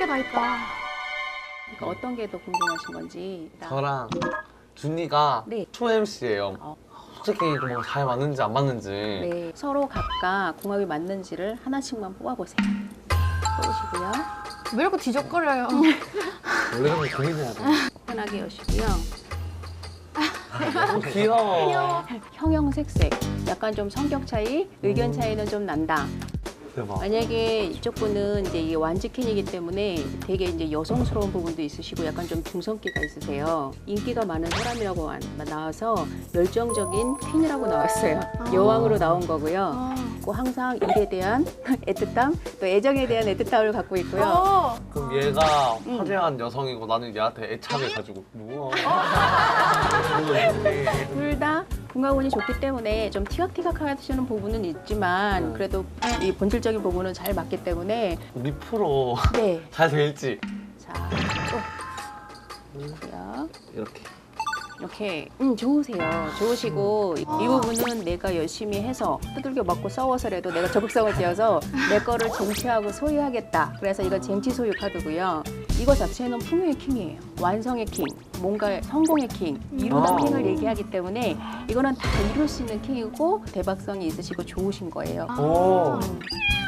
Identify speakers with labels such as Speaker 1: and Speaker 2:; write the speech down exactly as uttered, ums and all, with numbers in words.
Speaker 1: 게 다 있다.
Speaker 2: 그러니까 어떤 게 더 궁금하신 건지. 일단.
Speaker 3: 저랑 준이가
Speaker 2: 네.
Speaker 3: 초 엠씨예요.
Speaker 2: 어.
Speaker 3: 솔직히 좀 잘 맞는지 안 맞는지.
Speaker 2: 네, 서로 각각 궁합이 맞는지를 하나씩만 뽑아보세요. 뽑으시고요.
Speaker 1: 왜 이렇게 뒤적거려요?
Speaker 3: 원래 좀 고민해야 돼.
Speaker 2: 편하게 여시고요.
Speaker 3: 너무 귀여워.
Speaker 2: 형형색색, 약간 좀 성격 차이, 의견 차이는 좀 난다.
Speaker 3: 대박.
Speaker 2: 만약에 이쪽 분은 이제 이게 완즈캔이기 때문에 되게 이제 여성스러운 부분도 있으시고 약간 좀 중성기가 있으세요. 인기가 많은 사람이라고 안- 나와서 열정적인 퀸이라고 나왔어요. 여왕으로 나온 거고요.
Speaker 1: 아.
Speaker 2: 그리고 항상 일에 대한 애틋함, 또 애정에 대한 애틋함을 갖고 있고요.
Speaker 1: 어.
Speaker 3: 그럼 얘가
Speaker 2: 음.
Speaker 3: 화려한 여성이고 나는 얘한테 애착을 가지고 뭐야?
Speaker 2: 둘 다 궁합운이 좋기 때문에 좀 티격태격 하시는 부분은 있지만
Speaker 3: 음.
Speaker 2: 그래도 이 본질적인 부분은 잘 맞기 때문에
Speaker 3: 우리 프로
Speaker 2: 네.
Speaker 3: 잘 될지
Speaker 2: 자, 또 보고요.
Speaker 3: 이렇게.
Speaker 2: 이렇게 음 좋으세요. 좋으시고 이, 이 부분은 내가 열심히 해서 두들겨 맞고 싸워서라도 내가 적극성을 띄어서 내 거를 쟁취하고 소유하겠다. 그래서 이거 쟁취 소유 카드고요. 이거 자체는 풍요의 킹이에요. 완성의 킹, 뭔가 성공의 킹, 이루다
Speaker 3: 아.
Speaker 2: 킹을 얘기하기 때문에 이거는 다 이룰 수 있는 킹이고 대박성이 있으시고 좋으신 거예요.
Speaker 3: 오.
Speaker 2: 음.